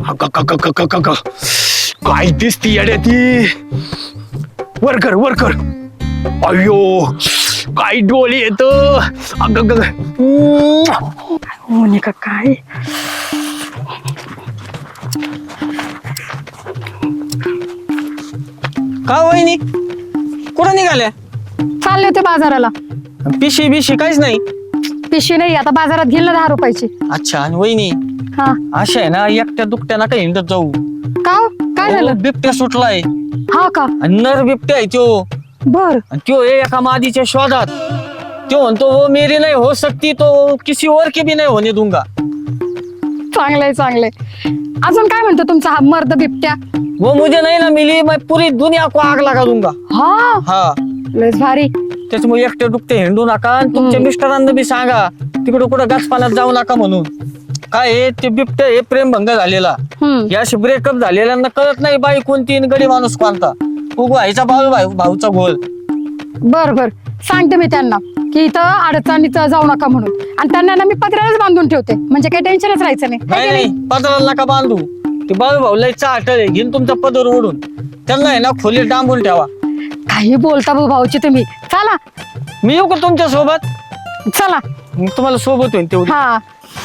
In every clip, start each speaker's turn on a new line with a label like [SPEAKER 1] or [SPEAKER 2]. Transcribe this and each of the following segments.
[SPEAKER 1] काय दिसती येड्या ती. वर कर. अयो काय डोळे येत.
[SPEAKER 2] मोनिका काय
[SPEAKER 3] का वहिनी कुठं निघाल्या?
[SPEAKER 2] चालले होते बाजाराला.
[SPEAKER 3] पिशी बिशी काहीच नाही.
[SPEAKER 2] पिशवी नाही आता बाजारात घेईल ना 10 रुपयाची.
[SPEAKER 3] अच्छा. आणि वहिनी
[SPEAKER 2] हा
[SPEAKER 3] अशा आहे ना एकट्या दुकट्याना काही हिंडत जाऊ.
[SPEAKER 2] का हो? काय झालं?
[SPEAKER 3] बिबट्या सुटलाय
[SPEAKER 2] हा का
[SPEAKER 3] आणि नर बिबट्या आहे त्यो.
[SPEAKER 2] बर
[SPEAKER 3] आणि त्यो एका मादीच्या शोधात. त्यो म्हणतो वो मेरी नहीं हो सकती तो किसी और की भी नहीं होने दूंगा.
[SPEAKER 2] चांगलंय अजून काय म्हणतो तुमचा हा मर्द बिबट्या?
[SPEAKER 3] वो मुझे नहीं ना मिली मैं पूरी दुनिया को आग लगा दूंगा.
[SPEAKER 2] हा
[SPEAKER 3] हा
[SPEAKER 2] लयच भारी.
[SPEAKER 3] त्याच्यामुळे एकटे दुकटे हिंडू नका आणि तुमच्या मिस्टरांना बी सांगा तिकडे कुठं गाचपाण्यात जाऊ नका म्हणून. काय आहे, ते बिबट्या हे प्रेमभंग झालेला.
[SPEAKER 2] हम्म
[SPEAKER 3] याशी ब्रेकअप झालेल्यांना कळत नाही बाई कोणती आणि गडी माणूस कोणता. उगो आईचा भाऊचा घोल.
[SPEAKER 2] बर सांगते मी त्यांना की इथं अडचणीत जाऊ नका म्हणून. आणि त्यांना ना मी पत्र्यालाच बांधून ठेवते म्हणजे काही टेन्शनच राहायचं नाही. है की
[SPEAKER 3] नाही पदराला नका बांधू. ते भाऊला चाटळ आहे घेऊन तुमचा पदर ओढून त्यांना आहे ना खोलीत डांबून ठेवा.
[SPEAKER 2] काही बोलता भाऊची तुम्ही. चला
[SPEAKER 3] मी येऊ का तुमच्या सोबत?
[SPEAKER 2] चला
[SPEAKER 3] मग तुम्हाला सोबत होईल तेवढी.
[SPEAKER 2] हा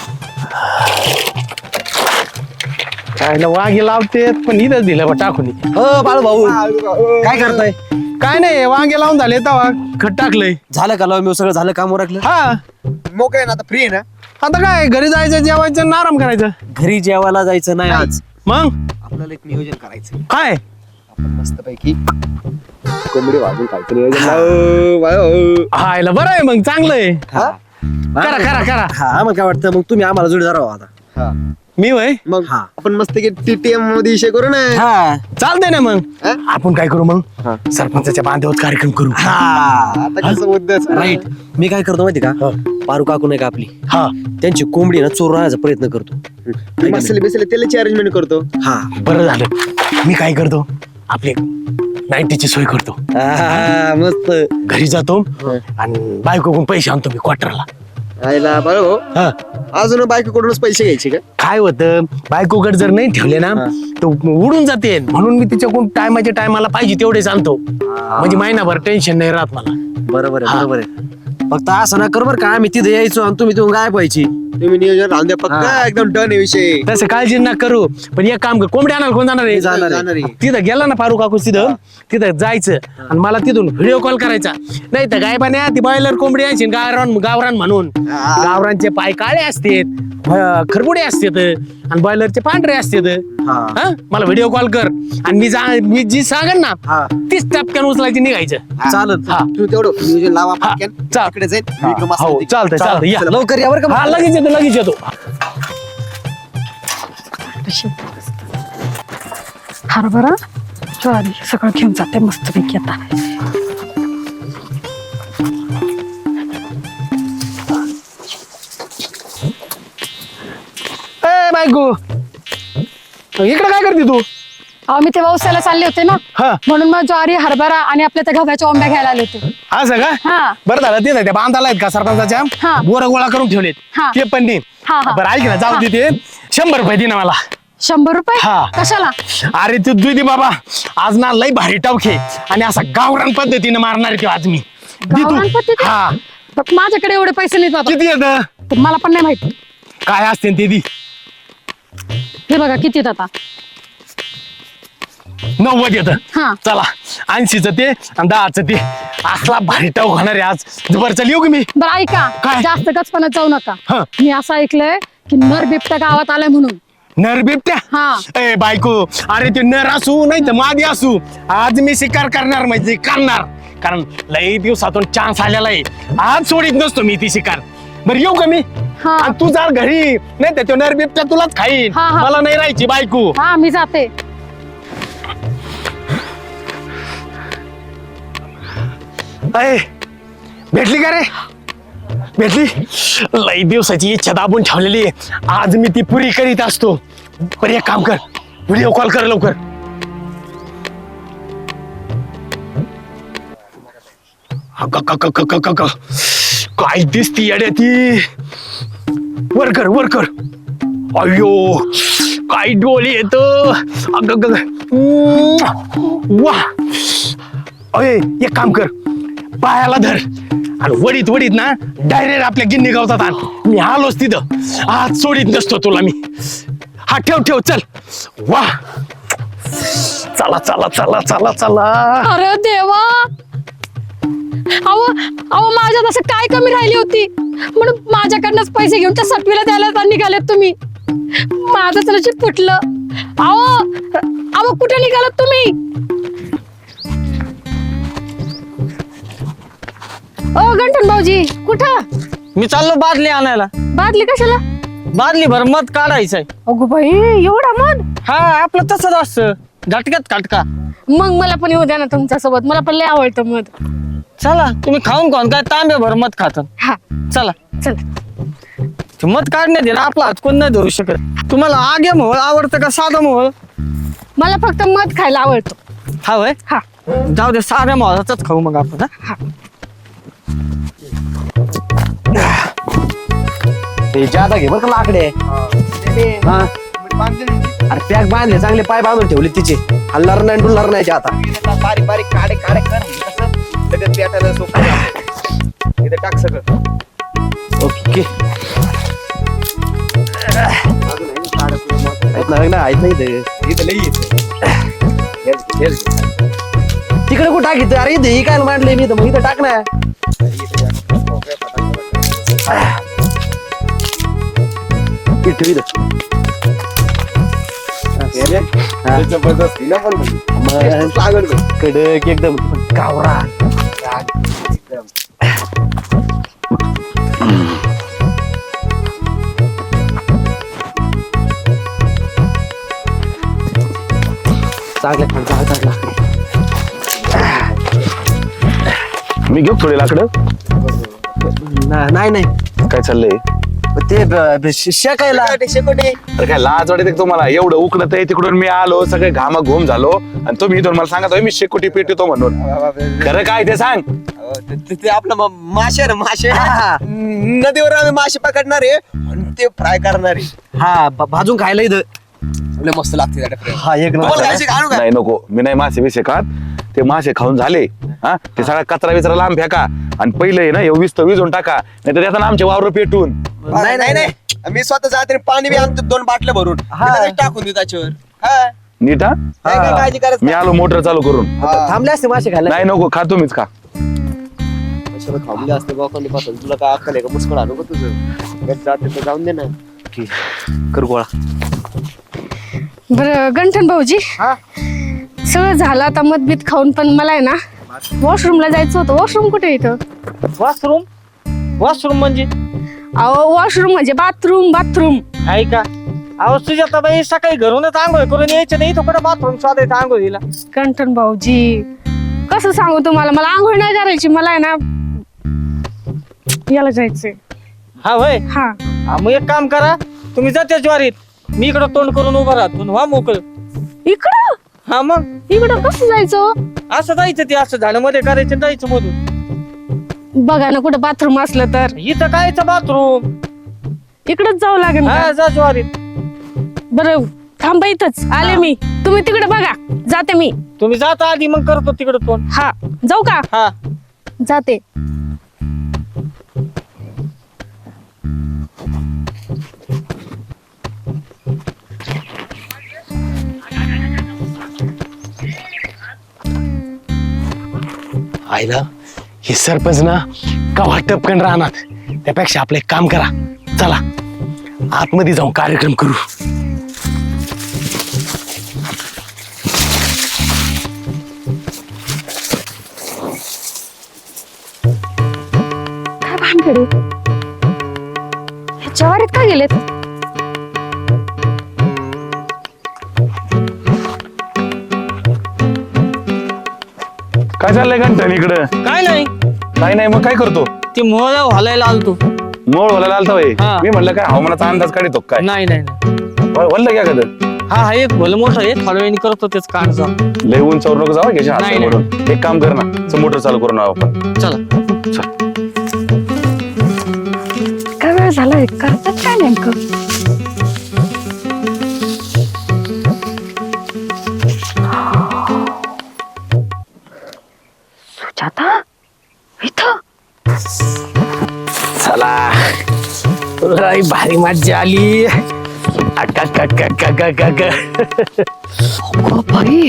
[SPEAKER 1] काय वांगी लावते पण इथंच दिलं बा टाकून.
[SPEAKER 4] हो बाळू भाऊ काय करताय?
[SPEAKER 1] काय नाही वांगे लावून झाले तवा खत टाकलंय.
[SPEAKER 4] झालं का लाव मी सगळं झालं काम उरकलं?
[SPEAKER 1] हा
[SPEAKER 4] मोकळे ना आता फ्री आहे ना?
[SPEAKER 1] आता काय घरी जायचं जेवायचं आणि आराम करायचं.
[SPEAKER 4] घरी जेवायला जायचं नाही आज.
[SPEAKER 1] मग
[SPEAKER 4] आपल्याला एक नियोजन करायचं.
[SPEAKER 1] काय
[SPEAKER 4] आपण मस्त पैकी कोंबडी वाजून खायचं नियोजन.
[SPEAKER 1] हायला बरं आहे मग चांगलं आहे. करा.
[SPEAKER 4] हा मग काय वाटतं मग तुम्ही आम्हाला जोडीदार आहो आता.
[SPEAKER 1] मी वय
[SPEAKER 4] मग आपण मस्त टीटीएम मध्ये विषय करू ना.
[SPEAKER 1] चालतंय ना मग आपण काय करू मग सरपंचाच्या बांधावर कार्यक्रम करू.
[SPEAKER 4] आता कसं मुद्दा राईट. मी काय करतो माहिती का पारू काकू नाही का आपली
[SPEAKER 1] हा
[SPEAKER 4] त्यांची कोंबडी ना चोरण्याचा प्रयत्न करतो. मसाले बिसले त्याची अरेंजमेंट करतो. हा
[SPEAKER 1] बरं झालं. मी काय करतो आपली नाईटीची सोय करतो.
[SPEAKER 4] मस्त.
[SPEAKER 1] घरी जातो आणि बायकोकडून पैसे आणतो मी क्वार्टरला.
[SPEAKER 4] आईला बाळू
[SPEAKER 1] हा
[SPEAKER 4] अजून बायकोकडूनच पैसे घ्यायचे का?
[SPEAKER 1] काय होतं बायकोकडे जर नाही ठेवले ना तर उडून जाते म्हणून मी तिच्याकडून टायमाच्या टायमाला पाहिजे तेवढेच आणतो. म्हणजे महिनाभर टेन्शन नाही राहत मला.
[SPEAKER 4] बरोबर आहे. फक्त असं ना कर बरं का आम्ही तिथे यायचो आणि तुम्ही तिथून गायब व्हायची. तुम्ही नियोजन राहून द्या पक्का एकदम डन आहे विषय.
[SPEAKER 1] तसं काळजी ना करू. पण एक काम कर कोंबडी आणाल कोण जाणार आहे?
[SPEAKER 4] जाणार आहे.
[SPEAKER 1] तिथं गेला ना फारू काकू तिथं जायचं आणि मला तिथून व्हिडिओ कॉल करायचा. नाही तर गायबाने ती बॉयलर कोंबडी यायची गावरान म्हणून. गावरांचे पाय काळे असतात खरबुडे असतात आणि बॉयलरचे पांढरे असतात. मला व्हिडिओ कॉल कर आणि मी जी सांगेन ना तीच टपक्यान उचलायची निघायचं.
[SPEAKER 4] चालत तू तेवढं नियोजन लावा पटकन. इकडे जाईल विक्रम असला
[SPEAKER 1] हो
[SPEAKER 4] ते.
[SPEAKER 1] चालतंय या.
[SPEAKER 4] लवकर या बरं का.
[SPEAKER 1] हा लगेच येतो.
[SPEAKER 2] हरभरा ज्वारी सगळं घेऊन जाते मस्त पैकी आता.
[SPEAKER 1] ए बायको इकडे काय करते तू?
[SPEAKER 2] अहो मी ते व्यवसायाला चालले होते ना
[SPEAKER 1] हा
[SPEAKER 2] म्हणून मग ज्वारी हरभरा आणि आपल्या त्या गव्हाच्या ओंब्या घ्यायला आले होते.
[SPEAKER 1] असं का?
[SPEAKER 2] हा
[SPEAKER 1] बरं झालं ते त्या बांधाला आहेत का सरपंचाच्या
[SPEAKER 2] हा.
[SPEAKER 1] बोर गोळा करून ठेवलेत
[SPEAKER 2] हा.
[SPEAKER 1] ते पण दे.
[SPEAKER 2] हा.
[SPEAKER 1] बरं ऐक ना जाऊ दे ते 100 रुपये दे ना मला.
[SPEAKER 2] 100 रुपये
[SPEAKER 1] हा.
[SPEAKER 2] कशाला?
[SPEAKER 1] अरे तू दे बाबा आज ना लय भारी टावखे आणि असा गावरान पद्धतीने मारणार आहे ते आज मी. दे तू.
[SPEAKER 2] गावरान पद्धती?
[SPEAKER 1] हा
[SPEAKER 2] पण माझ्याकडे एवढे पैसे नाहीत बाबा.
[SPEAKER 1] किती येत?
[SPEAKER 2] तर मला पण नाही माहिती.
[SPEAKER 1] काय असते ते दी.
[SPEAKER 2] हे बघा किती येत आता.
[SPEAKER 1] 90 येत.
[SPEAKER 2] हा
[SPEAKER 1] चला 80चं ते आणि 10चं ते असला भारी टाव होणार आहे आज. बरं चल येऊ की मी.
[SPEAKER 2] बरं ऐका
[SPEAKER 1] काय?
[SPEAKER 2] जास्त गचपणात जाऊ नका.
[SPEAKER 1] हा.
[SPEAKER 2] मी असं ऐकलंय की नर बिबट्या गावात आलाय म्हणून.
[SPEAKER 1] नर बिबट्या?
[SPEAKER 2] हा.
[SPEAKER 1] ए बायको अरे ते नर असू नाही तर मादी असू आज मी शिकार करणार म्हणजे करणार. कारण लई दिवसातून चान्स आलेला आहे. आज सोडित नसतो मी ती शिकार. बरं येऊ का मी?
[SPEAKER 2] हा.
[SPEAKER 1] आणि तू जा घरी नाही तर तो नर बिबट्या तुलाच खाईन.
[SPEAKER 2] हा.
[SPEAKER 1] मला नाही राहायची बायको.
[SPEAKER 2] हा मी जाते.
[SPEAKER 1] अय भेटली का रे? भेटली. लई दिवसाची इच्छा दाबून ठेवलेली आहे. आज मी ती पुरी करीत असतो. बरं एक काम कर व्हिडिओ कॉल कर लवकर. काय दिसती येड्या ती. वर कर. अयो काय डोली येतो वा. अय एक काम कर, पायाला धर आणि वडीत वडीत ना डायरेक्ट आपल्या गिन्नी गावतात आण. मी आलोच तिथं, आज सोडीत नसतो तुला मी. हा ठेव ठेव चल. वा चला चला चला चला चला.
[SPEAKER 2] अरे देवा, अहो अहो माझ्यात असं काय कमी राहिली होती म्हणून माझ्याकडनंच पैसे घेऊन त्या सटवीला द्यायला निघालेत तुम्ही. माझं नशीब फुटलं. अहो अहो कुठे निघालात तुम्ही? ओ गंठन भाऊजी कुठं?
[SPEAKER 3] मी चाललो बादली आणायला.
[SPEAKER 2] बादली कशाला?
[SPEAKER 3] बादली भर मध काढायचंय.
[SPEAKER 2] अगो बाई एवढा मध?
[SPEAKER 3] हा आपलं तसंच असतं, झटक्यात काटका.
[SPEAKER 2] मग मला पण येऊ द्या ना तुमच्या सोबत, मला पण लय आवडतं मध.
[SPEAKER 3] चला तुम्ही खाऊन खाऊन काय तांब्या भर मध खात.
[SPEAKER 2] हा
[SPEAKER 3] चला.
[SPEAKER 2] चल.
[SPEAKER 3] ते मध काढण्यात येईल आपला हात कोण नाही धरू शकत. तुम्हाला आगे मोहळ आवडतं का साधं मोहळ?
[SPEAKER 2] मला फक्त मध खायला आवडतो.
[SPEAKER 3] हा वय.
[SPEAKER 2] हा
[SPEAKER 3] जाऊ दे, साध्या मोहळाचाच खाऊ मग आपण. हा?
[SPEAKER 4] ते जादा घे बरं का लाकडे. हा अरे पॅक बांधले, चांगले पाय बांधून ठेवले तिचे. हल्लार नाही डुलणार नाही आता. बारीक बारीक काडे काडे कर कसं लगेच पेटायला सोपं. इथे टाक सगळं. ओके. तिकडे कुठं टाकीत? अरे इथे ही काय मांडले मी, मग इथं टाक ना. कडक एकदम गावरा. चांगलं
[SPEAKER 5] मी घेऊ थोडे लाकडं.
[SPEAKER 4] नाही नाही
[SPEAKER 5] काय चाललंय?
[SPEAKER 4] ते शेकायला
[SPEAKER 5] अरे काय लाज वाटते का तुम्हाला? एवढं उकडत आहे तिकडून मी आलो, सगळे घामा घुम झालो आणि तुम्ही इथून मला सांगत मी शेकोटी पेटतो म्हणून. खरं काय ते सांग.
[SPEAKER 4] ते आपलं मासे रे मासे. नदीवर आम्ही मासे पकडणार आहे आणि ते फ्राय करणार आहे. हा भाजून खायला इथं मस्त लागते. हा एक
[SPEAKER 5] नाही नको, मी नाही मासे बिसे खात. ते मासे खाऊन झाले हा, ते सगळा कचरा विचरा लांब फेका आणि पहिले ना विस्त विजून टाका, नाही तर त्याचा आमचे वावर पेटून.
[SPEAKER 4] नाही नाही नाही, मी स्वतः जाते पाणी बी आणतो 2 बाटल्या भरून टाकून देऊ त्याच्यावर.
[SPEAKER 5] नीट हा.
[SPEAKER 4] काळजी करायचं.
[SPEAKER 5] मी आलो मोटर चालू करून.
[SPEAKER 4] थांबले असते मासे खायला.
[SPEAKER 5] नाही नको, खा तुम्हीच खा.
[SPEAKER 4] थांबले असते बापांनी पासून. तुला काय अक्कल आहे का? मुस्कळ आणू का तुझं? जाते तर जाऊन दे ना. कर गोळा.
[SPEAKER 2] बरं गंठन भाऊजी, सगळं झालं आता मतभेद खाऊन, पण मला आहे ना वॉशरूमला जायचं होतं. वॉशरूम कुठे इथं?
[SPEAKER 3] वॉशरूम? वॉशरूम म्हणजे?
[SPEAKER 2] अहो वॉशरूम म्हणजे बाथरूम. बाथरूम
[SPEAKER 3] आहे का? अहो सुजाताबाई सकाळी घरूनच आंघोळ करून यायचं नाही, तो कुठं बाथरूम शोधायचं आंघोळीला?
[SPEAKER 2] गंठन भाऊजी कसं सांगू तुम्हाला, मला आंघोळ नाही करायची. मला आहे ना याला जायचंय.
[SPEAKER 3] हा वय.
[SPEAKER 2] हा
[SPEAKER 3] मग एक काम करा, तुम्ही जा त्या ज्वारीत, मी इकडं तोंड करून उभा राहतो. व्हा मोकळ.
[SPEAKER 2] इकडं?
[SPEAKER 3] हा मग
[SPEAKER 2] इकडं कसं जायचं?
[SPEAKER 3] असं जायचं, ते असं झाडामध्ये करायचं, जायचं मधून.
[SPEAKER 2] बघा ना कुठं बाथरूम असलं तर.
[SPEAKER 3] इथं कायचं बाथरूम?
[SPEAKER 2] इकडंच जावं लागेल
[SPEAKER 3] हा
[SPEAKER 2] का?
[SPEAKER 3] जा ज्वारीत.
[SPEAKER 2] बरं थांबा इथंच आले मी. तुम्ही तिकडे बघा, जाते मी.
[SPEAKER 3] तुम्ही जाता आधी, मग करतो तिकडं तोंड.
[SPEAKER 2] हा जाऊ का?
[SPEAKER 3] हा
[SPEAKER 2] जाते.
[SPEAKER 1] आईला हे सरपंच ना कवा टपकन राहणार, त्यापेक्षा आपलं एक काम करा, चला आतमध्ये जाऊन कार्यक्रम करू.
[SPEAKER 2] काय भानगड आहे? हे ज्वारीत का गेलेत?
[SPEAKER 5] काय चाललंय घंटन इकडं?
[SPEAKER 3] काय नाही.
[SPEAKER 5] काय नाही, मग काय करतो?
[SPEAKER 3] ते मोळ हलायला आलतो.
[SPEAKER 5] मोळ व्हायला आलता होय.
[SPEAKER 3] हा.
[SPEAKER 5] मी म्हणलं काय हवामानाचा अंदाज काढतो काय?
[SPEAKER 3] नाही नाही नाही.
[SPEAKER 5] वल्ल क्या कद
[SPEAKER 3] हा एक भलं मोठं आहे, थोड्या वेळाने करतो तेच काढ जा.
[SPEAKER 5] लय उंचावर नको जाऊ घ्यायच्या
[SPEAKER 3] नाही,
[SPEAKER 5] हातावरून. एक काम कर ना, मोटर चालू करून आपण.
[SPEAKER 3] चला.
[SPEAKER 2] काय वेळ झालाय, करतात काय नेमकं?
[SPEAKER 1] भारी मज्जा आली
[SPEAKER 2] अगं बाई,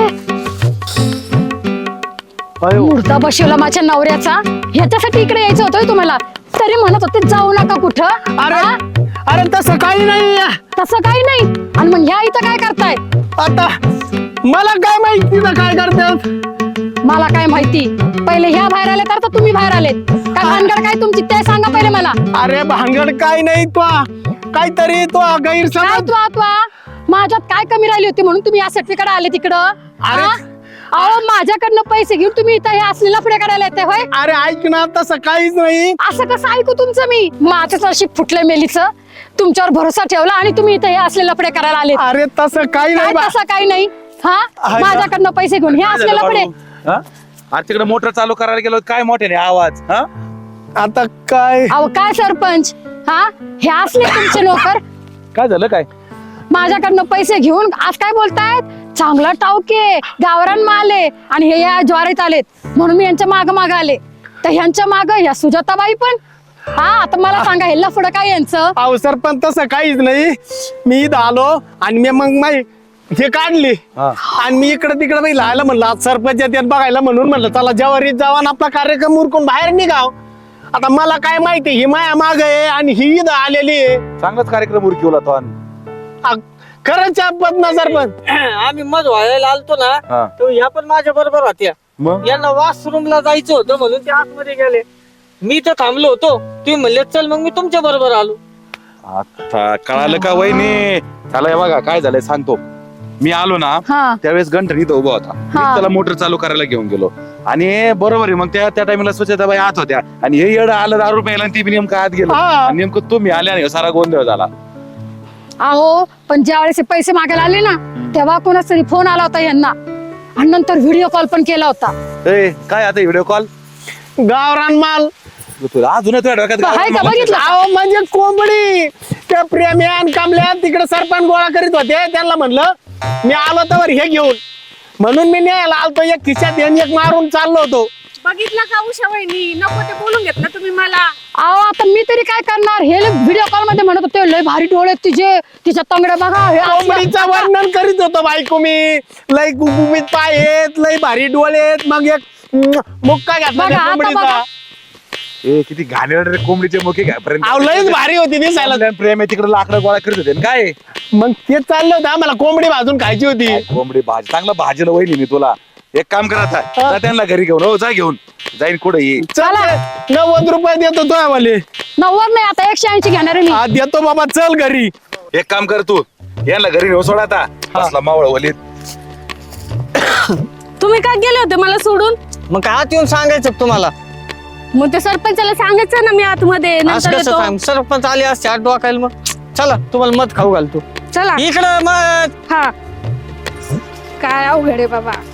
[SPEAKER 2] हे मुर्दा बसवला माझ्या नवऱ्याचा. ह्याच्यासाठी इकडे यायचं होतं तुम्हाला, तरी म्हणत होते जाऊ नका कुठं.
[SPEAKER 1] अरे
[SPEAKER 2] हा?
[SPEAKER 1] अरे तसं काही नाही.
[SPEAKER 2] तसं काही नाही. आणि मग ह्या इथं काय करताय?
[SPEAKER 1] आता मला काय माहिती ना काय करतात.
[SPEAKER 2] मला काय माहिती. पहिले ह्या बाहेर आले तर तुम्ही बाहेर आलेत. काय भानगड काय तुमची ते सांगा पहिले मला.
[SPEAKER 1] अरे भांगड काय नाही, तो काहीतरी तो
[SPEAKER 2] काय
[SPEAKER 1] गैरसमज.
[SPEAKER 2] तू माझ्यात काय कमी राहिली होती म्हणून तुम्ही या सर्टिफिकेट आले तिकडं?
[SPEAKER 1] अरे.
[SPEAKER 2] हा? अहो माझ्याकडनं पैसे घेऊन तुम्ही इथं हे असलेला पुढे काढायला येते होय?
[SPEAKER 1] अरे ऐक ना, तसं काहीच नाही.
[SPEAKER 2] असं कसं ऐकू तुमचं मी? माझं अशी फुटलं मेलीचं. तुमच्यावर भरोसा ठेवला आणि तुम्ही इथं हे असलेला पुढे करायला आले.
[SPEAKER 1] अरे तसं काही
[SPEAKER 2] काय
[SPEAKER 1] नाही बा.
[SPEAKER 2] तसं काही नाही. हा
[SPEAKER 1] आहे का?
[SPEAKER 2] माझ्याकडनं पैसे घेऊन हे असलेला पुढे.
[SPEAKER 5] अरे तिकडे मोटर चालू करायला गेलो काय मोठ्याने आवाज हा
[SPEAKER 1] आता काय
[SPEAKER 2] अहो काय सरपंच, हा हे असले तुमचे नोकर
[SPEAKER 5] काय झालं काय
[SPEAKER 2] माझ्याकडनं पैसे घेऊन आज काय बोलतायत? चांगला टावके गावरान माल आहे आणि हे या ज्वारीत आलेत म्हणून मी यांच्या माग आले. तर ह्यांच्या माग या सुजाताबाई पण. हा आता मला सांगा हे लफडं काय यांचं?
[SPEAKER 1] अहो सरपंच तसं काहीच नाही. मी इथं आलो आणि मी मग माई हे काढली आणि मी इकडे तिकडे बाई लायला म्हणलं आज सरपंच येतात बघायला म्हणून म्हणलं चला जवारीत जावा आणि आपला कार्यक्रम उरकून बाहेर निघाव. आता मला काय माहिती ही माया माग आहे आणि ही इथं आलेली आहे.
[SPEAKER 5] चांगलाच कार्यक्रम उरकिवला तो आणि
[SPEAKER 1] खरंच आपत ना सरपंच.
[SPEAKER 3] आम्ही मज व्हायला आलतो
[SPEAKER 5] हा.
[SPEAKER 3] ना तो ह्या पण माझ्या बरोबर होत्या.
[SPEAKER 5] मग
[SPEAKER 3] यांना वॉशरूमला जायचं होतं म्हणून ते आतमध्ये गेले. मी तर थांबलो होतो, तुम्ही म्हणले चल मग मी तुमच्या बरोबर आलो.
[SPEAKER 5] आता कळालं का वहिनी चला हे बघा काय झालंय सांगतो. मी आलो ना
[SPEAKER 2] हा
[SPEAKER 5] त्यावेळेस गंठन इथं उभा होता. मी त्याला मोटर चालू करायला घेऊन गेलो आणि बरोबर आहे मग त्या टाइमला स्वच्छताबाई आत होत्या आणि हे येडं आलं दारू प्यायला आणि ती बी नेमकं आत गेलो
[SPEAKER 1] हा.
[SPEAKER 5] आणि नेमकं तुम्ही आले आणि सारा गोंधळ झाला.
[SPEAKER 2] अहो पण ज्या वेळेस हे पैसे मागायला आले ना तेव्हा कोणाच तरी फोन आला होता यांना आणि नंतर व्हिडिओ कॉल पण केला होता.
[SPEAKER 5] ए काय आता व्हिडिओ कॉल
[SPEAKER 1] गावरान माल.
[SPEAKER 5] तुला अजून तुझ्या डोक्यात
[SPEAKER 2] हाय का
[SPEAKER 5] गावाला
[SPEAKER 2] बघितलं?
[SPEAKER 1] अहो म्हणजे कोंबडी त्या प्रेम्या आणि कामल्या तिकडे सरपंच गोळा करीत होते. त्यांना म्हणलं मी आलो तर हे घेऊन म्हणून मी न्यायला आलतो. एक खिशात एक मारून चाललो होतो.
[SPEAKER 6] बघितलं का उषा वहिनी नको ते बोलून घेतलं तुम्ही मला.
[SPEAKER 2] अहो आता मी तरी काय करणार? हे व्हिडिओ कॉल मध्ये म्हणत होते लय भारी डोळे आहेत तिचे, तिच्या तंगड्या बघा हे असलं.
[SPEAKER 1] कोंबडीचं वर्णन करीत होतो बायको मी. लय गुबगुबीत पाय आहेत, लय भारी डोळे आहेत. मग एक मुक्का घातला
[SPEAKER 2] बघा,
[SPEAKER 1] त्या
[SPEAKER 2] आता
[SPEAKER 1] कोंबडीचा.
[SPEAKER 2] बघा.
[SPEAKER 5] ए किती घाणेरडे रे कोंबडीचे मुखे घ्यापर्यंत
[SPEAKER 1] अहो लयच भारी होती दिसायला.
[SPEAKER 5] प्रेम आहे तिकडे लाकडं गोळा करत होते ना काय
[SPEAKER 1] मग ते चाललं होतं आम्हाला कोंबडी भाजून खायची होती.
[SPEAKER 5] कोंबडी भाजी चांगलं भाजीला वहिनी मी तुला एक काम करत आहे त्यांना घरी घेऊन हो जा घेऊन जाईन कुठे ये
[SPEAKER 1] चल 90 रुपये देतो तो आम्हाला.
[SPEAKER 2] 90 नाही आता 180 घेणार आहे मी.
[SPEAKER 1] हा देतो बाबा चल घरी.
[SPEAKER 5] एक काम कर तू यांना घरी नेऊ सोड आता असला मावळ वलीत.
[SPEAKER 6] तुम्ही काय गेले होते मला सोडून?
[SPEAKER 3] मग काय आत येऊन सांगायचं का तुम्हाला?
[SPEAKER 6] मग ते सरपंचाला सांगायचं ना मी आतमध्ये
[SPEAKER 3] आज
[SPEAKER 6] नंतर
[SPEAKER 3] कसं
[SPEAKER 6] येतो.
[SPEAKER 3] सांग सरपंच आले असते आठ डोकायला. मग चला तुम्हाला मत खाऊ घालतो
[SPEAKER 6] चला
[SPEAKER 3] इकडं मत.
[SPEAKER 6] हा काय अवघड आहे बाबा.